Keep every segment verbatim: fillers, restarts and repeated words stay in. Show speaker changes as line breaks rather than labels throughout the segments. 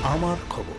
আমার খবর।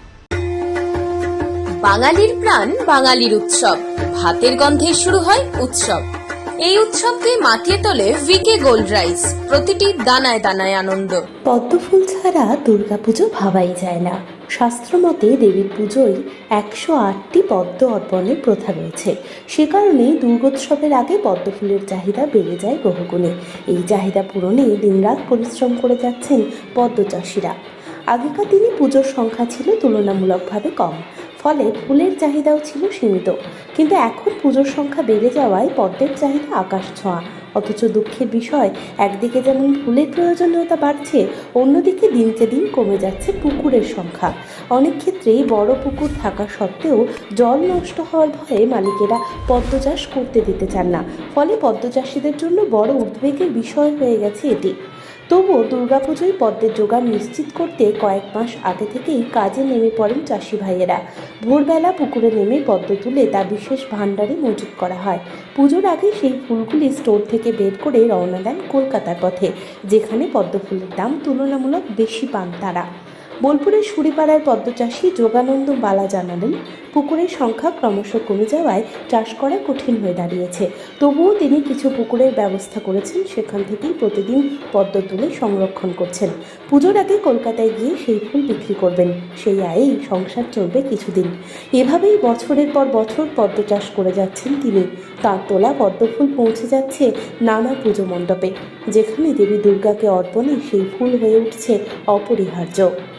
বাঙালির প্রাণ, বাঙালির উৎসব, ভাতের গন্ধে শুরু হয় উৎসব। এই উৎসবকে মাতিয়ে তোলে ভিকে গোল্ড রাইস, প্রতিটি দানায় দানায় আনন্দ।
পদ্মফুল ছাড়া দুর্গাপুজো ভাবাই যায় না। শাস্ত্রমতে দেবীর পুজোয় একশো আটটি পদ্ম অর্পণের প্রথা রয়েছে। সে কারণেই দুর্গোৎসবের আগে পদ্মফুলের চাহিদা বেড়ে যায় বহুগুণে। এই চাহিদা পূরণে দিনরাত পরিশ্রম করে যাচ্ছেন পদ্ম চাষিরা। আগেকার দিনে পুজোর সংখ্যা ছিল তুলনামূলকভাবে কম, ফলে ফুলের চাহিদাও ছিল সীমিত। কিন্তু এখন পুজোর সংখ্যা বেড়ে যাওয়ায় পদ্মের চাহিদা আকাশ ছোঁয়া। অথচ দুঃখের বিষয়, একদিকে যেমন ফুলের প্রয়োজনীয়তা বাড়ছে, অন্যদিকে দিনকে দিন কমে যাচ্ছে পুকুরের সংখ্যা। অনেক ক্ষেত্রেই বড় পুকুর থাকা সত্ত্বেও জল নষ্ট হওয়ার ভয়ে মালিকেরা পদ্ম চাষ করতে দিতে চান না। ফলে পদ্ম চাষিদের জন্য বড় উদ্বেগের বিষয় হয়ে গেছে এটি। তবুও দুর্গাপুজোয় পদ্মের জোগান নিশ্চিত করতে কয়েক মাস আগে থেকেই কাজে নেমে পড়েন চাষি ভাইয়েরা। ভোরবেলা পুকুরে নেমে পদ্ম তুলে তা বিশেষ ভাণ্ডারে মজুত করা হয়। পুজোর আগে সেই ফুলগুলি স্টোর থেকে বের করে রওনা দেন কলকাতার পথে, যেখানে পদ্ম ফুলের দাম তুলনামূলক বেশি পান তারা। বোলপুরের সুরিপাড়ার পদ্মচাষী যোগানন্দ বালা জানালেন, পুকুরের সংখ্যা ক্রমশ কমে যাওয়ায় চাষ করা কঠিন হয়ে দাঁড়িয়েছে। তবুও তিনি কিছু পুকুরের ব্যবস্থা করেছেন, সেখান থেকেই প্রতিদিন পদ্ম তুলে সংরক্ষণ করছেন। পুজোর আগে কলকাতায় গিয়ে সেই ফুল বিক্রি করবেন, সেই আয়েই সংসার চলবে কিছুদিন। এভাবেই বছরের পর বছর পদ্ম চাষ করে যাচ্ছেন তিনি। তাঁর তোলা পদ্ম ফুল পৌঁছে যাচ্ছে নানা পুজো মণ্ডপে, যেখানে দেবী দুর্গাকে অর্পণে সেই ফুল হয়ে উঠছে অপরিহার্য।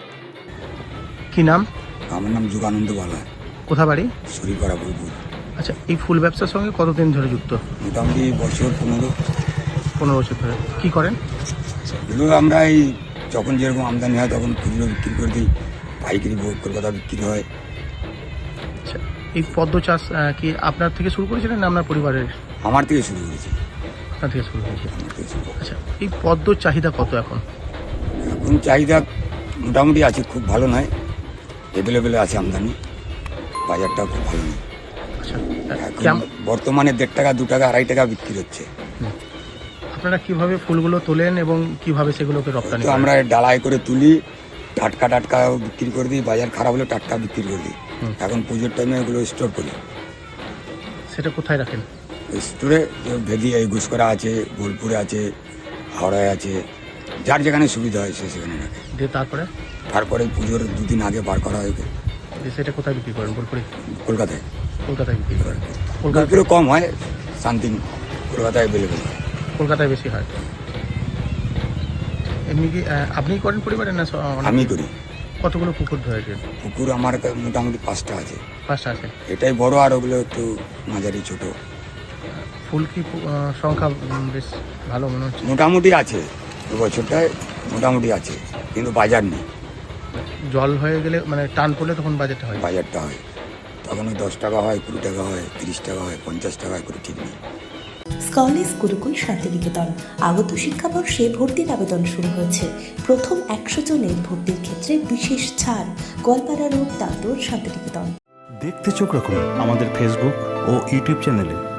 কি নাম?
আমার নাম যোগানন্দ বালা।
কোথা বাড়ি?
সুরিপাড়া বোলপুর।
আচ্ছা, এই ফুল ব্যবসার সঙ্গে কতদিন ধরে যুক্ত?
মোটামুটি বছর পনেরো
পনেরো বছর ধরে। কি করেন?
এগুলো আমরা এই যখন যেরকম আমদানি হয় তখন খুচরো বিক্রি করে দিই, পাইকারি কলকাতা বিক্রি হয়।
আচ্ছা, এই পদ্ম চাষ আহ, কি আপনার থেকে শুরু করেছিলেন না আপনার পরিবারের?
আমার থেকে শুরু করেছি।
আপনার থেকে শুরু করেছে।
আমার থেকে শুরু করেছি।
আচ্ছা, এই পদ্মর চাহিদা কত এখন?
এখন চাহিদা মোটামুটি আছে, খুব ভালো নয়, এভেলেবেলে আছে আমদানি, বাজারটা খুব ভালো নেই।
আচ্ছা,
এখন
কেমন
বর্তমানে দেড় টাকা দু টাকা আড়াই টাকা বিক্রি হচ্ছে।
আপনারা কিভাবে ফুলগুলো তোলেন এবং কিভাবে সেগুলোকে রপ্তানি
তো
করেন?
আমরা ডালায় করে তুলি, টাটকা টাটকা বিক্রি করে দিই, বাজার খারাপ হলে টাটকা বিক্রি করে দিই। এখন পুজোর টাইমে এগুলো স্টোর করি।
সেটা কোথায় রাখেন?
স্টোরে ভেদি এই গুসকরা আছে, বোলপুরে আছে, হাওড়ায় আছে, যার যেখানে সুবিধা হয় সে সেখানে রাখে।
দিয়ে তারপরে
তারপরে পুজোর দুদিন আগে বার করা হয় ওকে।
দিয়ে সেটা কোথায় বিক্রি করেন? বোলপুরে?
কলকাতায়।
কলকাতায় বিক্রি করেন। কলকাতা
বোলপুরে কম হয়, শান্তি কলকাতায় অ্যাভেলেবেল হয়।
কলকাতায় বেশি হয়। এমনি কি আহ, আপনিই করেন পরিবারে না স- অনেকে?
আমি করি।
কতগুলো পুকুর ধরেছেন?
পুকুর আমার কা- মোটামুটি পাঁচটা আছে।
পাঁচটা আছে।
এটাই বড়, আর ওগুলো একটু মাঝারি ছোট।
ফুল কি আহ, সংখ্যা উম, বেশ ভালো মনে হচ্ছে?
মোটামুটি আছে, দু বছরটায় মোটামুটি আছে, কিন্তু বাজার নেই।
জল হয়ে গেলে মানে টান পড়লে তখন বাজেটটা হয়।
বাজারটা হয় তখন ওই দশ টাকা হয়, কুড়ি টাকা হয়, তিরিশ টাকা হয়, পঞ্চাশ টাকা হয়, করে ঠিক নেই।
স্কলেজ গুরুকুল শান্তিনিকেতন আগত শিক্ষাবর্ষে ভর্তির আবেদন শুরু হয়েছে। প্রথম একশো জনের ভর্তির ক্ষেত্রে বিশেষ ছাড়। গোয়ালপাড়া রোড, দাঁতর, শান্তিনিকেতন।
দেখতে চোখ রাখুন আমাদের ফেসবুক ও ইউটিউব চ্যানেলে।